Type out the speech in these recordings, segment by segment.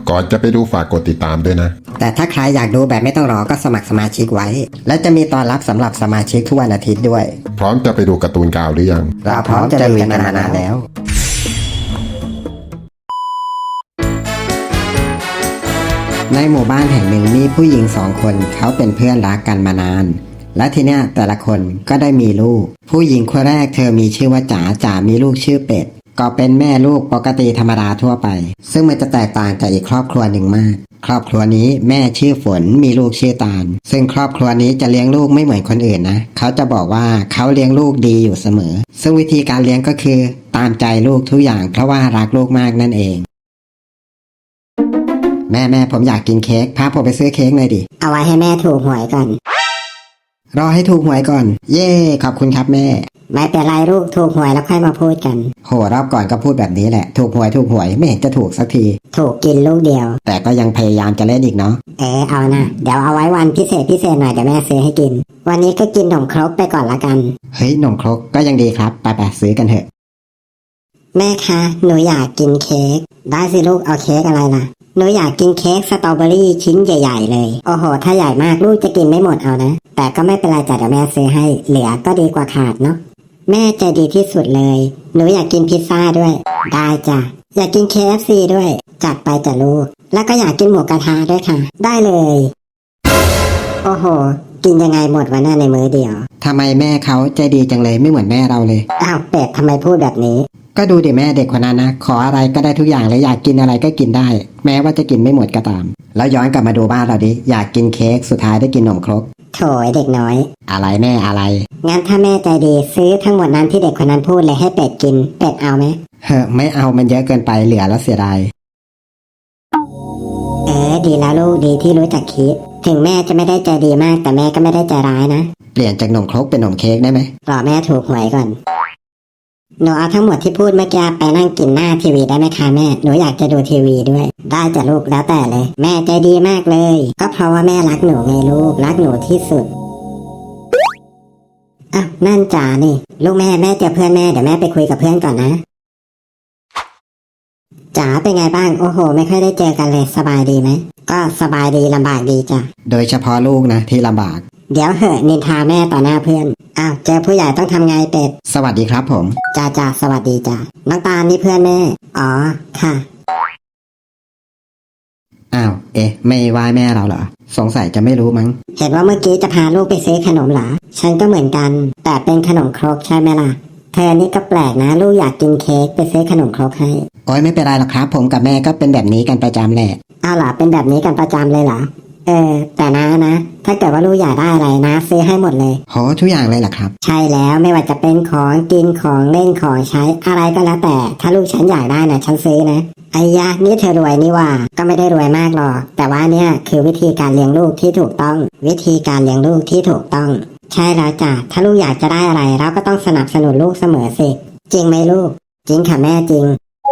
ก่อนจะไปดูฝากกดติดตามด้วยนะแต่ถ้าใครอยากดูแบบไม่ต้องรอก็สมัครสมาชิกไว้และจะมีตอนรับสำหรับสมาชิกทุกวันอาทิตย์ด้วยพร้อมจะไปดูการ์ตูนกาวหรือยังเราพร้อมจะลุยกันมานานแล้วในหมู่บ้านแห่งหนึ่งมีผู้หญิง2 คนเขาเป็นเพื่อนรักกันมานานและทีเนี้ยแต่ละคนก็ได้มีลูกผู้หญิงคนแรกเธอมีชื่อว่าจ๋ามีลูกชื่อเป็ดก็เป็นแม่ลูกปกติธรรมดาทั่วไปซึ่งมันจะแตกต่างจากอีกครอบครัวหนึ่งมากครอบครัวนี้แม่ชื่อฝนมีลูกชื่อตาลซึ่งครอบครัวนี้จะเลี้ยงลูกไม่เหมือนคนอื่นนะเขาจะบอกว่าเขาเลี้ยงลูกดีอยู่เสมอซึ่งวิธีการเลี้ยงก็คือตามใจลูกทุกอย่างเพราะว่ารักลูกมากนั่นเองแม่ผมอยากกินเค้กพาผมไปซื้อเค้กหน่อยดิเอาไว้ให้แม่ถูกหวยก่อนรอให้ถูกหวยก่อนเย่ขอบคุณครับแม่ไม่เป็นไรลูกถูกหวยแล้วค่อยมาพูดกันโหรอบก่อนก็พูดแบบนี้แหละถูกหวยไม่เห็นจะถูกสักทีถูกกินลูกเดียวแต่ก็ยังพยายามจะเล่นอีกเนาะเอานะเดี๋ยวเอาไว้วันพิเศษหน่อยเดี๋ยวแม่ซื้อให้กินวันนี้ก็กินขนมครกไปก่อนละกันเฮ้ยขนมครกก็ยังดีครับไปซื้อกันเถอะแม่คะหนูอยากกินเค้กได้สิลูกเอาเค้กอะไรล่ะหนูอยากกินเค้กสตรอเบอรี่ชิ้นใหญ่ๆเลยโอ้โหถ้าใหญ่มากลูกจะกินไม่หมดเอานะแต่ก็ไม่เป็นไรจ้ะเดี๋ยวแม่ซื้อให้เหลือก็ดีกว่าขาดเนาะแม่ใจดีที่สุดเลยหนูอยากกินพิซซ่าด้วยได้จ้ะอยากกิน KFC ด้วยจัดไปจ้ะลูกแล้วก็อยากกินหมูกระทะด้วยค่ะได้เลยโอ้โหกินยังไงหมดวะหน้าในมื้อเดียวทำไมแม่เขาใจดีจังเลยไม่เหมือนแม่เราเลยอ้าวเป็ดทำไมพูดแบบนี้ก็ดูดิแม่เด็กคนนั้นนะขออะไรก็ได้ทุกอย่างเลยอยากกินอะไรก็กินได้แม้ว่าจะกินไม่หมดก็ตามแล้วย้อนกลับมาดูบ้านเราดิอยากกินเค้กสุดท้ายได้กินขนมครกโถยเด็กน้อยอะไรแม่อะไรงั้นถ้าแม่ใจดีซื้อทั้งหมดนั้นที่เด็กคนนั้นพูดเลยให้เป็ดกินเป็ดเอาไหมไม่เอามันเยอะเกินไปเหลือแล้วเสียดายดีแล้วลูกดีที่รู้จักคิดถึงแม่จะไม่ได้ใจดีมากแต่แม่ก็ไม่ได้ใจร้ายนะเปลี่ยนจากขนมครกเป็นขนมเค้กได้ไหมรอแม่ถูกหวยก่อนหนูเอาทั้งหมดที่พูดเมื่อกี้ไปนั่งกินหน้าทีวีได้ไหมคะแม่หนูอยากจะดูทีวีด้วยได้จ้ะลูกแล้วแต่เลยแม่ใจดีมากเลยก็เพราะว่าแม่รักหนูไงลูกรักหนูที่สุดอ้าวนั่นจ๋านี่ลูกแม่เจอเพื่อนแม่เดี๋ยวแม่ไปคุยกับเพื่อนก่อนนะจ๋าเป็นไงบ้างโอ้โหไม่ค่อยได้เจอกันเลยสบายดีไหมก็สบายดีลำบากดีจ้ะโดยเฉพาะลูกนะที่ลำบากเดี๋ยวเหอะนินทาแม่ต่อหน้าเพื่อนอ้าวเจอผู้ใหญ่ต้องทำไงเป็ดสวัสดีครับผมจ้าสวัสดีจ้าน้องตาลนี่เพื่อนแม่อ๋อค่ะอ้าวไม่ไหว้แม่เราเหรอสงสัยจะไม่รู้มั้งเห็นว่าเมื่อกี้จะพาลูกไปซื้อขนมเหรอฉันก็เหมือนกันแต่เป็นขนมครกใช่ไหมล่ะเธอนี่ก็แปลกนะลูกอยากกินเค้กไปซื้อขนมครกให้โอ้ยไม่เป็นไรหรอกครับผมกับแม่ก็เป็นแบบนี้กันประจำแหละอ้าวเหรอเป็นแบบนี้กันประจำเลยเหรอแต่นะถ้าเกิดว่าลูกอยากได้อะไรนะซื้อให้หมดเลยโหทุกอย่างเลยเหรอครับใช่แล้วไม่ว่าจะเป็นของกินของเล่นของใช้อะไรก็แล้วแต่ถ้าลูกฉันอยากได้นะฉันซื้อนะไอ้ยะนี่เธอรวยนี่ว่าก็ไม่ได้รวยมากหรอกแต่ว่าเนี่ยคือวิธีการเลี้ยงลูกที่ถูกต้องวิธีการเลี้ยงลูกที่ถูกต้องใช่แล้วจ้ะถ้าลูกอยากจะได้อะไรเราก็ต้องสนับสนุนลูกเสมอสิจริงไหมลูกจริงค่ะแม่จริง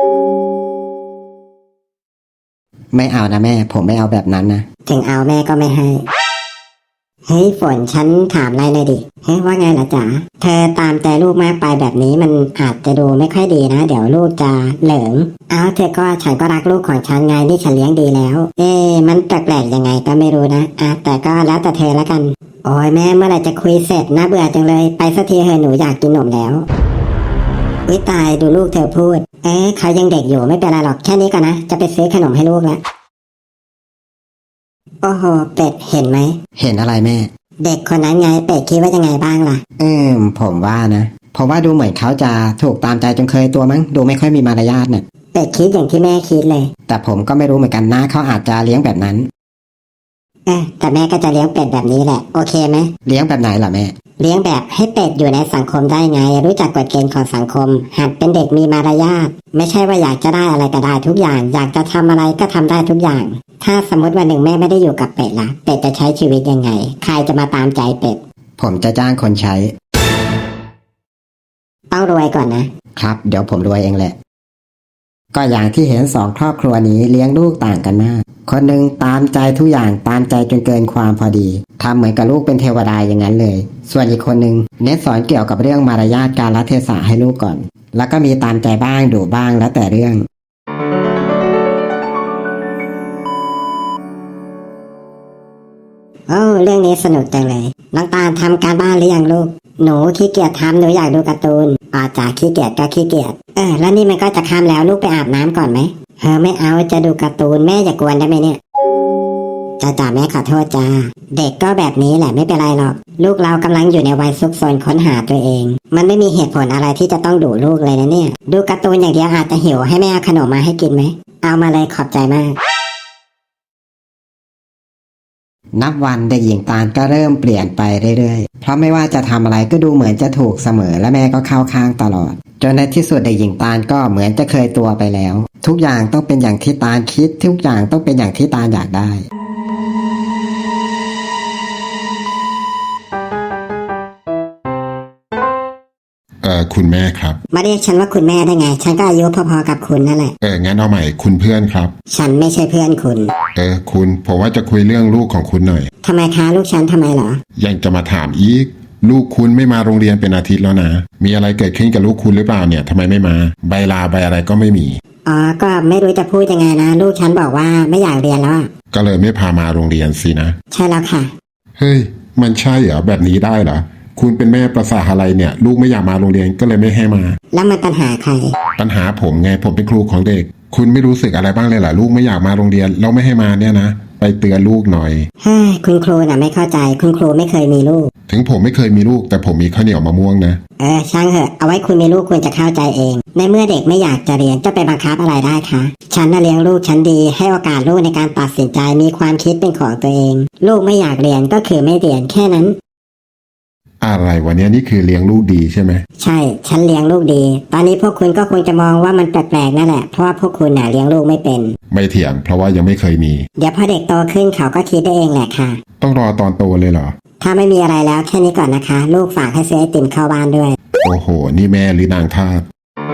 ไม่เอานะแม่ผมไม่เอาแบบนั้นนะถึงเอาแม่ก็ไม่ให้เฮ้ยฝนฉันถามอะไรหน่อยดิเฮ้ยว่าไงล่ะจ๋าเธอตามใจลูกมากไปแบบนี้มันอาจจะดูไม่ค่อยดีนะเดี๋ยวลูกจะเหลิงเอาเธอก็ฉันก็รักลูกของฉันไงนี่ฉันเลี้ยงดีแล้วมันแปลกๆยังไงก็ไม่รู้นะแต่ก็แล้วแต่เธอละกันโอ้ยแม่เมื่อไหร่จะคุยเสร็จน่าเบื่อจังเลยไปสักทีเถอะหนูอยากกินนมแล้ววิตายดูลูกเธอพูดเขายังเด็กอยู่ไม่เป็นไรหรอกแค่นี้ก่อนนะจะไปซื้อขนมให้ลูกแล้วโอ้โหเป็ดเห็นไหมเห็นอะไรแม่เด็กคนนั้นไงเป็ดคิดว่ายังไงบ้างล่ะผมว่านะผมว่าดูเหมือนเขาจะถูกตามใจจนเคยตัวมั้งดูไม่ค่อยมีมารยาทเนี่ยเป็ดคิดอย่างที่แม่คิดเลยแต่ผมก็ไม่รู้เหมือนกันนะเขาอาจจะเลี้ยงแบบนั้นแต่แม่ก็จะเลี้ยงเป็ดแบบนี้แหละโอเคไหมเลี้ยงแบบไหนล่ะแม่เลี้ยงแบบให้เป็ดอยู่ในสังคมได้ไงรู้จักกฎเกณฑ์ของสังคมหัดเป็นเด็กมีมารยาทไม่ใช่ว่าอยากจะได้อะไรก็ได้ทุกอย่างอยากจะทำอะไรก็ทำได้ทุกอย่างถ้าสมมติวันหนึ่งแม่ไม่ได้อยู่กับเป็ดล่ะเป็ดจะใช้ชีวิตยังไงใครจะมาตามใจเป็ดผมจะจ้างคนใช้ต้องรวยก่อนนะครับเดี๋ยวผมรวยเองแหละก็อย่างที่เห็น2 ครอบครัวนี้เลี้ยงลูกต่างกันมากคนหนึ่งตามใจทุกอย่างตามใจจนเกินความพอดีทำเหมือนกับลูกเป็นเทวดาอย่างนั้นเลยส่วนอีกคนหนึ่งเน้นสอนเกี่ยวกับเรื่องมารยาทกาลเทศะให้ลูกก่อนแล้วก็มีตามใจบ้างดุบ้างแล้วแต่เรื่องเรื่องนี้สนุกจังเลยน้องตาลทำการบ้านหรือยังลูกหนูขี้เกียจทำหนูอยากดูการ์ตูนจากขี้เกียจก็ขี้เกียจแล้วนี่มันก็จะค่ำแล้วลูกไปอาบน้ำก่อนไหมไม่เอาจะดูการ์ตูนแม่อย่ากวนได้ไหมเนี่ยจ้าแม่ขอโทษจ้าเด็กก็แบบนี้แหละไม่เป็นไรหรอกลูกเรากำลังอยู่ในวัยซุกซนค้นหาตัวเองมันไม่มีเหตุผลอะไรที่จะต้องดุลูกเลยนะเนี่ยดูการ์ตูนอย่างเดียวอาจจะหิวให้แม่เอาขนมมาให้กินไหมเอามาเลยขอบใจมากนับวันเด็กหญิงตาลก็เริ่มเปลี่ยนไปเรื่อยๆเพราะไม่ว่าจะทำอะไรก็ดูเหมือนจะถูกเสมอและแม่ก็เข้าข้างตลอดจนในที่สุดเด็กหญิงตาลก็เหมือนจะเคยตัวไปแล้วทุกอย่างต้องเป็นอย่างที่ตาลคิดทุกอย่างต้องเป็นอย่างที่ตาลอยากได้คุณแม่ครับมาเรียกฉันว่าคุณแม่ได้ไงฉันก็อายุพอๆกับคุณนั่นแหละงั้นเอาใหม่คุณเพื่อนครับฉันไม่ใช่เพื่อนคุณคุณผมว่าจะคุยเรื่องลูกของคุณหน่อยทำไมคะลูกฉันทำไมเหรอยังจะมาถามอีกลูกคุณไม่มาโรงเรียนเป็นอาทิตย์แล้วนะมีอะไรเกิดขึ้นกับลูกคุณหรือเปล่าเนี่ยทำไมไม่มาใบลาใบอะไรก็ไม่มีก็ไม่รู้จะพูดยังไงนะลูกฉันบอกว่าไม่อยากเรียนแล้วก็เลยไม่พามาโรงเรียนสินะใช่แล้วค่ะเฮ้ยมันใช่เหรอแบบนี้ได้เหรอคุณเป็นแม่ประสาอะไรเนี่ยลูกไม่อยากมาโรงเรียนก็เลยไม่ให้มาแล้วมันปัญหาใครปัญหาผมไงผมเป็นครูของเด็กคุณไม่รู้สึกอะไรบ้างเลยเหรอลูกไม่อยากมาโรงเรียนเราไม่ให้มาเนี่ยนะไปเตือนลูกหน่อยคุณครูน่ะไม่เข้าใจคุณครูไม่เคยมีลูกถึงผมไม่เคยมีลูกแต่ผมมีข้าวเหนียวมะม่วงนะช่างเถอะเอาไว้คุณมีลูกคุณจะเข้าใจเองในเมื่อเด็กไม่อยากจะเรียนจะไปบังคับอะไรได้คะฉันน่ะเลี้ยงลูกฉันดีให้โอกาสลูกในการตัดสินใจมีความคิดเป็นของตัวเองลูกไม่อยากเรียนก็คือไม่เรียนแค่นั้นอะไรวันนี้นี่คือเลี้ยงลูกดีใช่ไหมใช่ฉันเลี้ยงลูกดีตอนนี้พวกคุณก็คงจะมองว่ามันแปลกๆนั่นแหละเพราะว่าพวกคุณน่ะเลี้ยงลูกไม่เป็นไม่เถียงเพราะว่ายังไม่เคยมีเดี๋ยวพอเด็กโตขึ้นเขาก็คิดได้เองแหละค่ะต้องรอตอนโตเลยเหรอถ้าไม่มีอะไรแล้วแค่นี้ก่อนนะคะลูกฝากให้ซื้อไอติมเข้าบ้านด้วยโอ้โหนี่แม่หรือนางทาส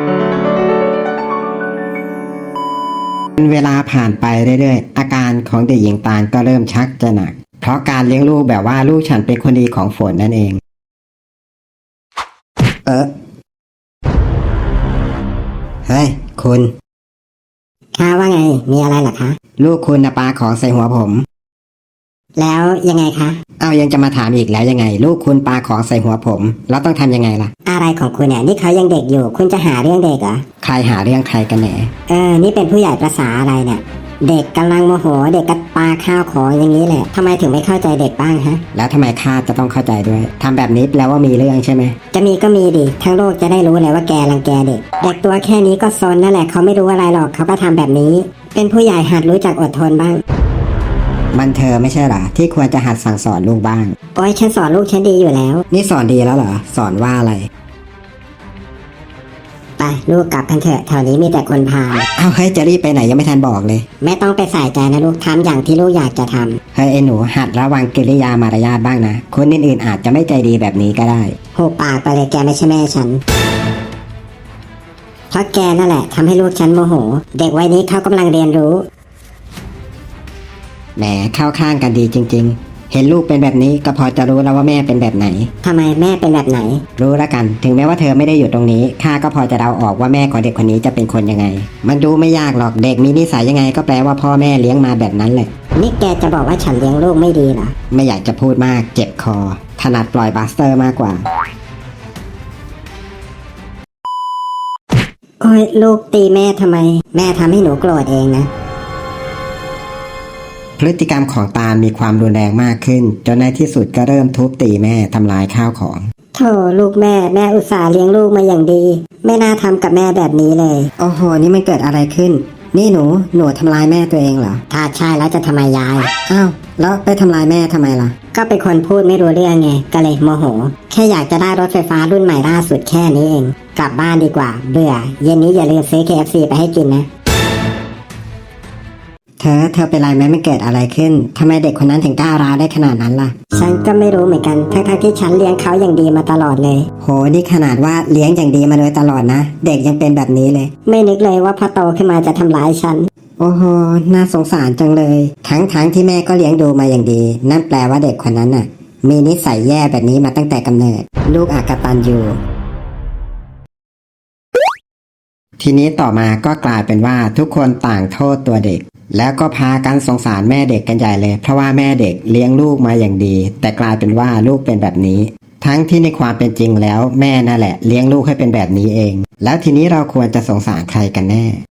เวลาผ่านไปเรื่อยๆอาการของเด็กหญิงตาลก็เริ่มชักจะหนักเพราะการเลี้ยงลูกแบบว่าลูกฉันเป็นคนดีของฝนนั่นเองเฮ้ยคุณค่ะว่าไงมีอะไรเหรอคะลูกคุณปาของใส่หัวผมแล้วยังไงคะยังจะมาถามอีกแล้วยังไงลูกคุณปาของใส่หัวผมแล้วต้องทำยังไงล่ะอะไรของคุณเนี่ยนี่เขายังเด็กอยู่คุณจะหาเรื่องเด็กเหรอใครหาเรื่องใครกันแหนนี่เป็นผู้ใหญ่ประสาอะไรเนี่ยเด็กกำลังโมโหเด็กก็ปาข้าวของอย่างนี้แหละทำไมถึงไม่เข้าใจเด็กบ้างฮะแล้วทำไมข้าจะต้องเข้าใจด้วยทำแบบนี้แปลว่ามีเรื่องใช่ไหมจะมีก็มีดิทั้งโลกจะได้รู้เลยว่าแกรังแกเด็กเด็กตัวแค่นี้ก็ซนนั่นแหละเขาไม่รู้อะไรหรอกเขาก็ทำแบบนี้เป็นผู้ใหญ่หัดรู้จักอดทนบ้างมันเธอไม่ใช่หรอที่ควรจะหัดสั่งสอนลูกบ้างโอ้ยฉันสอนลูกฉันดีอยู่แล้วนี่สอนดีแล้วเหรอสอนว่าอะไรไปลูกกลับกันเถอะแถวนี้มีแต่คนพาลเฮ้ยจะรีบไปไหนยังไม่ทันบอกเลยไม่ต้องไปใส่ใจนะลูกทำอย่างที่ลูกอยากจะทำเฮ้ยไอ้หนูหัดระวังกิริยามารยาทบ้างนะคนอื่นๆอาจจะไม่ใจดีแบบนี้ก็ได้หุบปากไปเลยแกไม่ใช่แม่ฉันเพราะแกนั่นแหละทำให้ลูกฉันโมโหเด็กวัยนี้เขากำลังเรียนรู้แหมเข้าข้างกันดีจริงๆเห็นลูกเป็นแบบนี้ก็พอจะรู้แล้วว่าแม่เป็นแบบไหนทำไมแม่เป็นแบบไหนรู้ละกันถึงแม้ว่าเธอไม่ได้อยู่ตรงนี้ข้าก็พอจะเดาออกว่าแม่ของเด็กคนนี้จะเป็นคนยังไงมันดูไม่ยากหรอกเด็กมีนิสัยยังไงก็แปลว่าพ่อแม่เลี้ยงมาแบบนั้นแหละนี่แกจะบอกว่าฉันเลี้ยงลูกไม่ดีเหรอไม่อยากจะพูดมากเจ็บคอถนัดปล่อยบัสเตอร์มากกว่าโอ้ยลูกตีแม่ทำไมแม่ทำให้หนูโกรธเองนะพฤติกรรมของตาลมีความรุนแรงมากขึ้นจนในที่สุดก็เริ่มทุบตีแม่ทำลายข้าวของโธ่ลูกแม่อุตส่าห์เลี้ยงลูกมาอย่างดีไม่น่าทำกับแม่แบบนี้เลยโอ้โหนี่มันเกิดอะไรขึ้นนี่หนูทำลายแม่ตัวเองเหรอถ้าใช่แล้วจะทำไมยายแล้วไปทำลายแม่ทำไมล่ะก็เป็นคนพูดไม่รู้เรื่องไงก็เลยโมโหแค่อยากจะได้รถไฟฟ้ารุ่นใหม่ล่าสุดแค่นี้เองกลับบ้านดีกว่าเบื่อเย็นนี้อย่าลืมซื้อ KFC ไปให้กินนะเธอเป็นไรไหมไม่เกิดอะไรขึ้นทำไมเด็กคนนั้นถึงกล้าร้าวได้ขนาดนั้นล่ะฉันก็ไม่รู้เหมือนกันทั้งที่ฉันเลี้ยงเขาอย่างดีมาตลอดเลยโหนี่ขนาดว่าเลี้ยงอย่างดีมาโดยตลอดนะเด็กยังเป็นแบบนี้เลยไม่นึกเลยว่าพอโตขึ้นมาจะทำร้ายฉันโอ้โหน่าสงสารจังเลยทั้งที่แม่ก็เลี้ยงดูมาอย่างดีนั่นแปลว่าเด็กคนนั้นน่ะมีนิสัยแย่แบบนี้มาตั้งแต่กำเนิดลูกอกตัญญูทีนี้ต่อมาก็กลายเป็นว่าทุกคนต่างโทษตัวเด็กแล้วก็พากันสงสารแม่เด็กกันใหญ่เลยเพราะว่าแม่เด็กเลี้ยงลูกมาอย่างดี แต่กลายเป็นว่าลูกเป็นแบบนี้ ทั้งที่ในความเป็นจริงแล้วแม่นั่นแหละเลี้ยงลูกให้เป็นแบบนี้เอง แล้วทีนี้เราควรจะสงสารใครกันแน่